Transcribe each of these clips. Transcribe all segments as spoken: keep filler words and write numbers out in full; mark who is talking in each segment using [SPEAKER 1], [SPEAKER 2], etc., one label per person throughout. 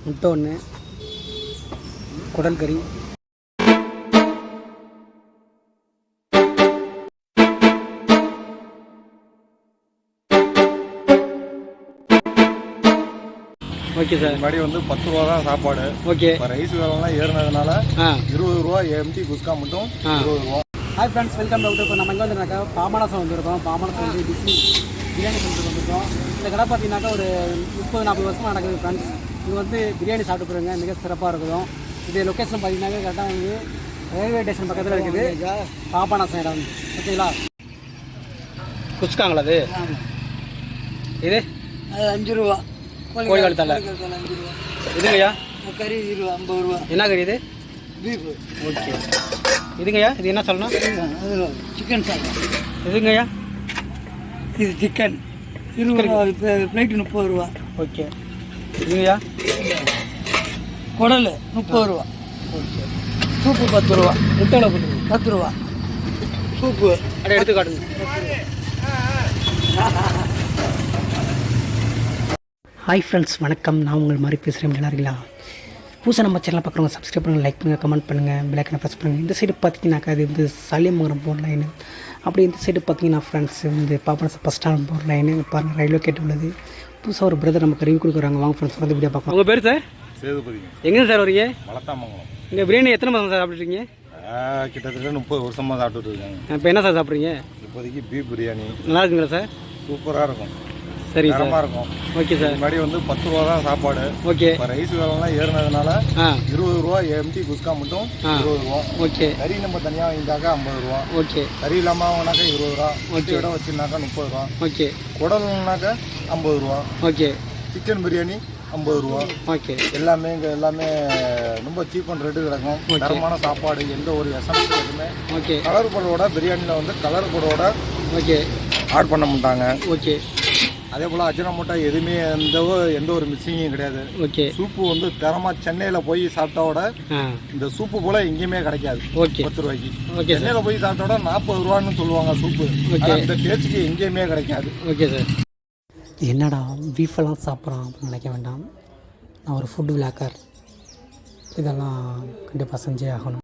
[SPEAKER 1] முட்டை ஒன்று, குடல் கறி, ஓகே சார்.
[SPEAKER 2] முன்னாடி வந்து பத்து ரூபா தான் சாப்பாடு.
[SPEAKER 1] ஓகே.
[SPEAKER 2] இப்போ ரைஸ் விலைலாம் ஏறினதுனால இருபது ரூபா எம்டி குஸ்கா மட்டும் இருபது ரூபா.
[SPEAKER 1] Hi friends, welcome to. இப்போ நம்ம எங்கே வந்துருக்காக்கா பாபநாசம் வந்திருக்கோம். பாபநாசம் வந்து பிஸ்மி பிரியாணி சென்டருக்கு வந்திருக்கோம். இந்த கடை பார்த்தீங்கன்னாக்கா ஒரு முப்பது நாற்பது வருஷமாக நடக்குது ஃப்ரெண்ட்ஸ். இது வந்து பிரியாணி சாப்பிட்டு போகிறவங்க மிக சிறப்பாக இருக்கும். இது லொக்கேஷன் பார்த்தீங்கன்னாக்கா கரெக்டாக வந்து ரயில்வே ஸ்டேஷன் பக்கத்தில் இருக்குது. பாபநாசம் இடம் ஓகேங்களா. குஸ்காங்களா அது? இது
[SPEAKER 3] அது அஞ்சு ரூபா.
[SPEAKER 1] கோழிக்கால் தலை
[SPEAKER 3] அஞ்சு ரூபா.
[SPEAKER 1] இதுங்கய்யா
[SPEAKER 3] கறி இருபது ஐம்பது ரூபா.
[SPEAKER 1] என்ன கறி இது?
[SPEAKER 3] பீஃபு.
[SPEAKER 1] ஓகே. இதுங்கய்யா இது என்ன சொல்லணும்?
[SPEAKER 3] அது சிக்கன் சாப்பிடும்.
[SPEAKER 1] இதுங்கய்யா
[SPEAKER 3] இது சிக்கன் இருபது ரூபா. பிளேட்டு முப்பது ரூபா.
[SPEAKER 1] ஓகே. இதுங்கய்யா
[SPEAKER 3] குடல் முப்பது ரூபா.
[SPEAKER 1] ஓகே.
[SPEAKER 3] சூப்பு பத்து ரூபா.
[SPEAKER 1] முட்டையில் போட்டு
[SPEAKER 3] பத்து ரூபா சூப்பு.
[SPEAKER 1] அப்படியே எடுத்து காட்டுங்க. ஹாய் ஃப்ரெண்ட்ஸ், வணக்கம். நான் உங்கள் மாதிரி பேசுகிறேன். நல்லா இருக்கீங்களா? புதுசாக நம்ம சேனலை பார்க்குறவங்க சப்ஸ்கிரைப் பண்ணுங்கள், லைக் பண்ணுங்கள், கமெண்ட் பண்ணுங்கள், பெல்லைக்கனை ப்ரெஸ் பண்ணுங்கள். இந்த சைடு பார்த்தீங்கன்னாக்கா அது வந்து சலியமங்கலம் போகிற லைனு. அப்படி இந்த சைடு பார்த்தீங்கன்னா ஃப்ரெண்ட்ஸ் வந்து பாபநாசம் பஸ் ஸ்டாண்ட் போகிற லைனு. பாருங்கள், ரயில்வே கேட் உள்ளது. புதுசாக ஒரு பிரதர் நமக்கு ரிவ்யூ கொடுக்குறாங்க. வாங்க ஃப்ரெண்ட்ஸ், வந்து வீடியோ பார்க்கலாம். உங்கள் பேர் சார்?
[SPEAKER 2] சேதுபதி.
[SPEAKER 1] எங்கே சார் வரீங்க?
[SPEAKER 2] மலத்தாமங்கலம்.
[SPEAKER 1] இங்கே பிரியாணி எத்தனை மாதம் சார் சாப்பிட்ருக்கீங்க?
[SPEAKER 2] கிட்டத்தட்ட முப்பது வருஷமாக சாப்பிட்டுட்டு இருக்காங்க.
[SPEAKER 1] இப்போ என்ன சார் சாப்பிட்றீங்க?
[SPEAKER 2] இப்போதைக்கு பீஃப் பிரியாணி.
[SPEAKER 1] நல்லா இருக்குங்களா சார்?
[SPEAKER 2] சூப்பராக இருக்கும்.
[SPEAKER 1] சரி சார்.
[SPEAKER 2] தரமாக இருக்கும்.
[SPEAKER 1] Okay sir.
[SPEAKER 2] முன்னாடி வந்து பத்து ரூபா தான் சாப்பாடு.
[SPEAKER 1] ஓகே.
[SPEAKER 2] இப்போ ரைஸ் விலைலாம் ஏறினதுனால இருபது ரூபா எம்டி குஸ்கா மட்டும் இருபது ரூபா.
[SPEAKER 1] ஓகே.
[SPEAKER 2] கறி நம்ம தனியாக வாங்கிட்டாக்கா ஐம்பது ரூபா.
[SPEAKER 1] ஓகே.
[SPEAKER 2] கறி இல்லாமல் வாங்கினாக்கா இருபது ரூபா. ஓகே. இடம் வச்சுருந்தாக்கா முப்பது ரூபா.
[SPEAKER 1] ஓகே.
[SPEAKER 2] குடல்னாக்கா ஐம்பது ரூபா.
[SPEAKER 1] ஓகே.
[SPEAKER 2] சிக்கன் பிரியாணி ஐம்பது ரூபா.
[SPEAKER 1] ஓகே.
[SPEAKER 2] எல்லாமே இங்கே எல்லாமே ரொம்ப சீப் அண்ட் ரேட்டு கிடக்கும். தரமான சாப்பாடு, எந்த ஒரு எசன்ஸ் எதுவுமே. ஓகே. கலர் பொருளோட பிரியாணியில் வந்து கலர் பொருளோட ஓகே ஆட் பண்ண மாட்டாங்க. ஓகே. அதே போல் அஜினமோட்டா எதுவுமே எந்த எந்த ஒரு மிக்சிங்கும் கிடையாது. ஓகே. சூப்பு வந்து தரமாக சென்னையில் போய் சாப்பிட்டோட இந்த சூப்பு போல் எங்கேயுமே கிடைக்காது. ஓகே. பத்து ரூபாய்க்கு. ஓகே. சென்னையில் போய் சாப்பிட்டோட நாற்பது ரூபான்னு சொல்லுவாங்க சூப்பு. ஓகே. இந்த டேஸ்ட்டுக்கு எங்கேயுமே கிடைக்காது. Okay sir.
[SPEAKER 1] என்னடா பீஃபெல்லாம் சாப்பிட்றான் அப்படின்னு நினைக்க வேண்டாம். நான் ஒரு ஃபுட் விளாக்கர். இதெல்லாம் கண்டிப்பாக செஞ்சே ஆகணும்.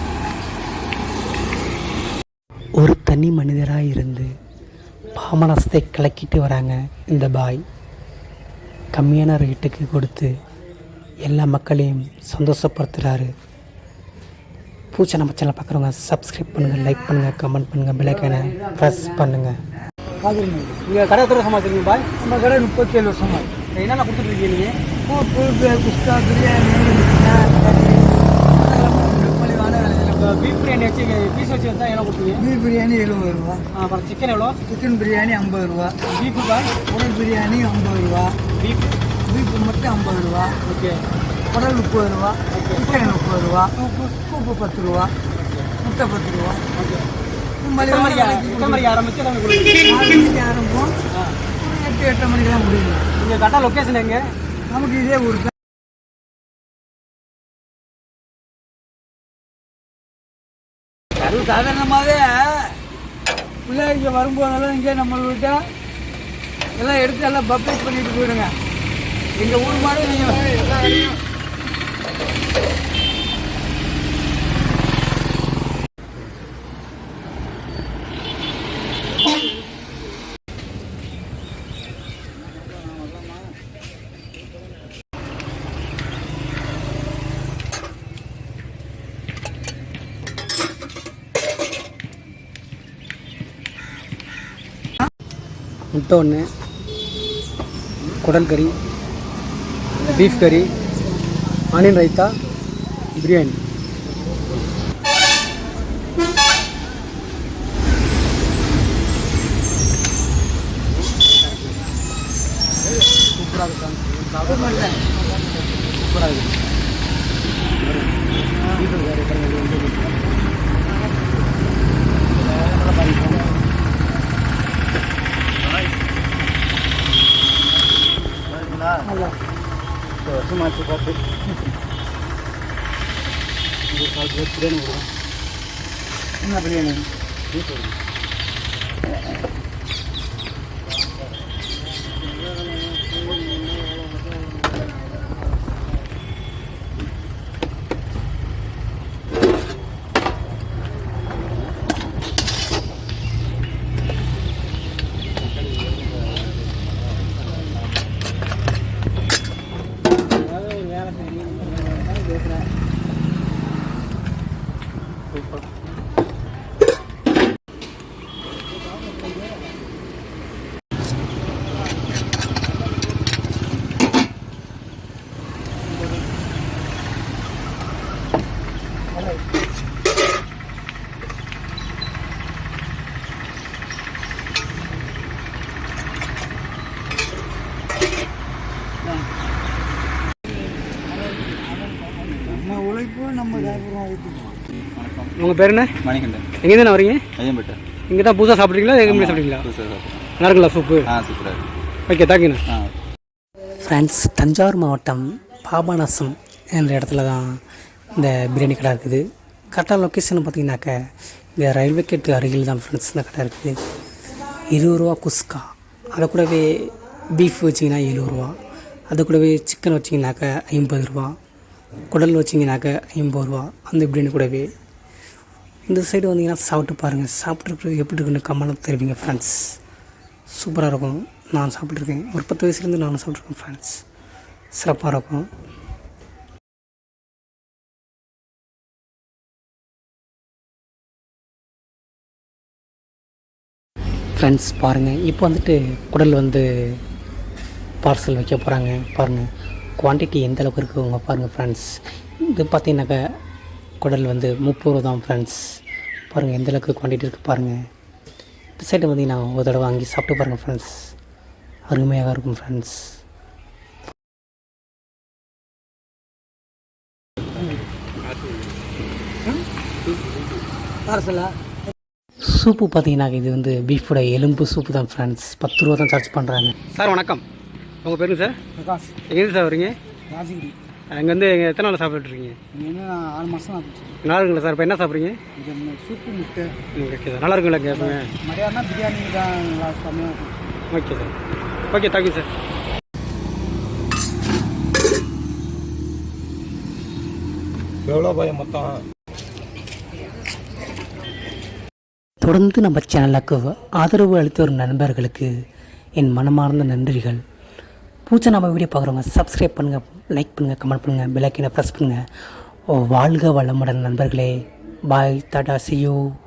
[SPEAKER 1] ஒரு தனி மனிதராக இருந்து பாமனசத்தை கலக்கிட்டு வராங்க இந்த பாய். கம்மியான ரேட்டுக்கு கொடுத்து எல்லா மக்களையும் சந்தோஷப்படுத்துகிறாரு. பூச்சை நம்ம சேனல் பார்க்குறவங்க சப்ஸ்கிரைப் பண்ணுங்கள், லைக் பண்ணுங்கள், கமெண்ட் பண்ணுங்கள், பெல்லைக்கனை ப்ரெஸ் பண்ணுங்கள். நீங்கள் கடை எத்தனை வருஷமாக வச்சுருக்கீங்க பாய்?
[SPEAKER 3] நம்ம கடை முப்பத்தி ஏழு வருஷமா.
[SPEAKER 1] என்னென்ன கொடுத்துட்ருக்கீங்க நீங்கள்?
[SPEAKER 3] சூப்பு, குஸ்கா, பிரியாணி,
[SPEAKER 1] பீஃப் பிரியாணி வச்சு பீஸ் வச்சு வந்தால் என்ன கொடுத்தீங்க?
[SPEAKER 3] பீஃப் பிரியாணி எழுபது ரூபா.
[SPEAKER 1] அப்புறம் சிக்கன் எவ்வளோ?
[SPEAKER 3] சிக்கன் பிரியாணி ஐம்பது ரூபா.
[SPEAKER 1] பீஃபு பாய்?
[SPEAKER 3] குடல் பிரியாணி ஐம்பது ரூபா. பீஃப் பீஃப் மட்டும் ஐம்பது ரூபா.
[SPEAKER 1] ஓகே.
[SPEAKER 3] குடல் முப்பது ரூபா. சிக்கன் முப்பது ரூபா. சூப்பு சூப்பு பத்து ரூபா. முட்டை பத்து ரூபா. ஓகே.
[SPEAKER 1] மணிக்கு ஆரம்பிச்சு
[SPEAKER 3] நாலு மணிக்கு ஆரம்பம். எட்டு எட்டரை மணிக்கெல்லாம் முடியும்.
[SPEAKER 1] நீங்கள் கரெக்டாக லொக்கேஷன் எங்கே?
[SPEAKER 3] நமக்கு இதே ஊருக்கு. அது சாதாரணமாகவே பிள்ளைங்க இங்கே வரும்போதெல்லாம் இங்கே நம்மள்கிட்ட எல்லாம் எடுத்து எல்லாம் பப்ளிக் பண்ணிட்டு போயிடுங்க. எங்கள் ஊர் மாதிரி நீங்கள்
[SPEAKER 1] முட்டை ஒன்று, குடல் கறி, பீஃப் கறி, ஆனியன் ரைத்தா, பிரியாணி. சூப்பராக இருக்கும். சூப்பராக இருக்கும். வருஷமாச்சு பார்த்து ஒரு கால் பிளேட் பிரியாணி கொடுக்கும்.
[SPEAKER 3] என்ன பிரியாணி?
[SPEAKER 1] பீஃப் வரும்.
[SPEAKER 3] கொடுத்தாலும் நம்ம வியாபாரம் ஊற்றிக்குவோம்.
[SPEAKER 4] வணக்கம்.
[SPEAKER 5] உங்கள் பேர் என்ன?
[SPEAKER 4] மணிகண்டன்.
[SPEAKER 5] எங்கேருந்து நான் வரீங்க?
[SPEAKER 4] ஐயம்பேட்டை.
[SPEAKER 5] இங்கே தான் புதுசாக சாப்பிட்றீங்களா? எங்கே முன்னாடி சாப்பிட்றீங்களா?
[SPEAKER 4] புதுசாக சாப்பிட்றேன்.
[SPEAKER 5] நல்லா இருக்குங்களா சூப்பு?
[SPEAKER 4] ஆ சூப்பராக இருக்கு.
[SPEAKER 5] ஓகே, தேங்க்யூண்ணா.
[SPEAKER 4] ஆ
[SPEAKER 1] ஃப்ரெண்ட்ஸ், தஞ்சாவூர் மாவட்டம் பாபநாசம் என்ற இடத்துல தான் இந்த பிரியாணி கடை இருக்குது. கரெக்டாக லொக்கேஷன் பார்த்தீங்கன்னாக்க இந்த ரயில்வே கேட்டு அருகில் தான் ஃப்ரெண்ட்ஸ் இந்த கடை இருக்குது. இருபது ரூபா குஸ்கா, அதை கூடவே பீஃப் வச்சிங்கன்னா எழுபது ரூபா, அது கூடவே சிக்கன் வச்சிங்கனாக்க ஐம்பது ரூபா, குடல் வச்சிங்கனாக்க ஐம்பது ரூபா அந்த பிரியாணி கூடவே. இந்த சைடு வந்தீங்கன்னா சாப்பிட்டு பாருங்கள், சாப்பிட்ருக்கு எப்படி இருக்குன்னு கமெண்ட் தெரிவிங்க ஃப்ரெண்ட்ஸ். சூப்பராக இருக்கும். நான் சாப்பிட்ருக்கேன், ஒரு பத்து வயசுலேருந்து நானும் சாப்பிட்ருக்கேன் ஃப்ரெண்ட்ஸ். சிறப்பாக இருக்கும். ஃப்ரெண்ட்ஸ் பாருங்கள், இப்போ வந்துட்டு குடல் வந்து பார்சல் வைக்க போகிறாங்க. பாருங்கள் குவான்டிட்டி எந்த அளவுக்கு இருக்குங்க பாருங்கள் ஃப்ரெண்ட்ஸ். இது பார்த்தீங்கன்னாக்கா குடல் வந்து முப்பது ரூபா தான் ஃப்ரெண்ட்ஸ். பாருங்கள் எந்த அளவுக்கு குவான்டிட்டி இருக்குது பாருங்கள். இந்த சைடு பார்த்தீங்கன்னா ஒரு தடவை வாங்கி சாப்பிட்டு பாருங்கள் ஃப்ரெண்ட்ஸ், அருமையாக இருக்கும் ஃப்ரெண்ட்ஸ்.
[SPEAKER 3] பார்சலா
[SPEAKER 1] சூப்பு பார்த்தீங்கன்னா இது வந்து பீஃபோட எலும்பு சூப்பு தான் ஃப்ரெண்ட்ஸ். பத்து ரூபா தான் சார்ஜ் பண்ணுறாங்க.
[SPEAKER 5] சார் வணக்கம். உங்கள் பேருங்க சார்?
[SPEAKER 3] பிரகாஷ்,
[SPEAKER 5] எங்கேருந்து சார் வரீங்க?
[SPEAKER 3] ராஜகிரி.
[SPEAKER 5] அங்கே வந்து எங்கள் எத்தனை நாள் சாப்பிட்டுருக்கீங்க?
[SPEAKER 3] இங்கே என்ன ஆறு மாதம் ஆச்சு.
[SPEAKER 5] நல்லா இருக்குங்களா சார்? இப்போ என்ன சாப்பிட்றீங்க?
[SPEAKER 3] இது சூப்பு முட்டை.
[SPEAKER 5] ஓகே சார், நல்லா இருக்குங்களா இங்கே எப்பவுமே?
[SPEAKER 3] மதியானம் பிரியாணி தான் நல்லா செம்மையாக இருக்கும்.
[SPEAKER 5] Okay sir. Okay, thank you sir.
[SPEAKER 2] எவ்வளோ பயம் மொத்தம்?
[SPEAKER 1] தொடர்ந்து நம்ம சேனலுக்கு ஆதரவு அளித்து வரும் நண்பர்களுக்கு என் மனமார்ந்த நன்றிகள். பூச்சா நம்ம வீடியோ பார்க்குறவங்க சப்ஸ்கிரைப் பண்ணுங்கள், லைக் பண்ணுங்கள், கமெண்ட் பண்ணுங்கள், பெல் ஐக்கனை ப்ரெஸ் பண்ணுங்கள். ஓ வாழ்க வளமுடன் நண்பர்களே. பாய், டாடா, see you.